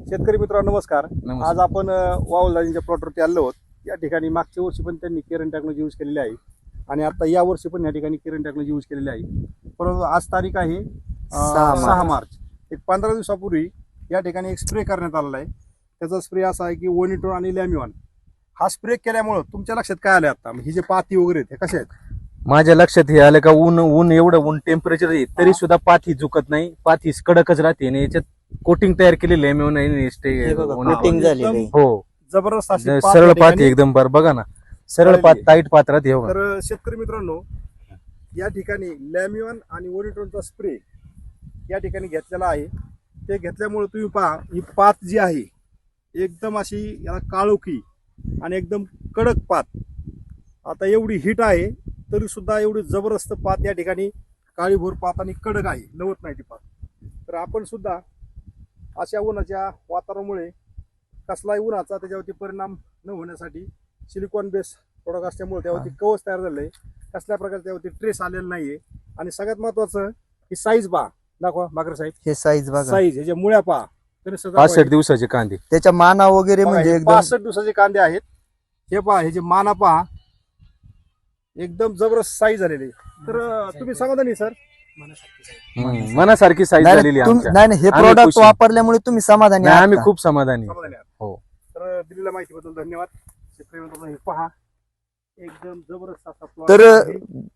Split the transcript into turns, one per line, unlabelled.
शेतकरी मित्रांनो नमस्कार.
नमस्कार.
आज आपण वावलदाजींच्या प्लॉटवरती आलो आहोत. या ठिकाणी मागच्या वर्षी पण त्यांनी केरन टेक्नॉलॉजी यूज केलेली आहे आणि आता या वर्षी पण या ठिकाणी केरन टेक्नॉलॉजी यूज केलेली आहे. परंतु आज तारीख आहे 6 मार्च. एक 15 दिवसापूर्वी या ठिकाणी एक स्प्रे करण्यात आलेला आहे. त्याचा स्प्रे असा आहे की ओनिटोन आणि लॅम्युअन. हा स्प्रे केल्यामुळे तुमच्या लक्षात काय आलं आता ही जे पाती वगैरे आहेत हे कसे आहेत?
माझ्या लक्षात हे आलं का ऊन एवढं ऊन टेम्परेचर आहे तरी सुद्धा पाथी झुकत नाही, पाथी कडकच राहते आणि याच्यात कोटिंग तयार केलेली आहे
कोटिंग झालेली आहे.
हो,
जबरदस्त अशी पात
सरळ
या
पाथी
ठिकाणी
एकदम बघा ना, सरळ
झालेली
पात
आहे.
टाईट पात राहते. हो
तर शेतकरी मित्रांनो या ठिकाणी लॅम्युअन आणि ओनिटोनचा स्प्रे या ठिकाणी घेतलेला आहे. ते घेतल्यामुळे तुम्ही पहा ही पात जी आहे एकदम अशी याला काळोखी आणि एकदम कडक पात. आता एवढी हिट आहे तरी सुद्धा एवढी जबरदस्त पात या ठिकाणी काळीभोर पात आणि कडक आहे, लवत नाही ती पात. तर आपण सुद्धा अशा उन्हाच्या वातावरणामुळे कसलाही उन्हाचा त्याच्यावरती परिणाम न होण्यासाठी सिलिकॉन बेस प्रोडक्ट असल्यामुळे त्यावरती कवच तयार झालं आहे. कसल्या प्रकारचे त्यावरती ट्रेस आलेला नाहीये. आणि सगळ्यात महत्वाचं ही साईज पहा, दाखवा मागरे साहेब.
हे साईज बघा,
साईज ह्याच्या मुळ्या पहा.
65 दिवसाचे कांदे.
त्याच्या माना वगैरे म्हणजे एकदम
65 दिवसाचे कांदे आहेत. हे पहा, हे जे माना पहा एकदम जबरदस्त साईज झालेली. तर तुम्ही समाधानी सर?
मनासारखी साईज झालेली आहे आमच्या.
नाही हे
आम्ही
प्रोडक्ट
खुश.
वापरल्यामुळे तुम्ही समाधानी
नाही,
आहात
आम्ही
का?
खूप समाधानी आहे.
समाधानी आहात.
हो.
तर दिलेल्या माहितीबद्दल धन्यवाद. शेतकरी मित्रांनो हे पहा एकदम जबरदस्त असा plot
तर
आहे.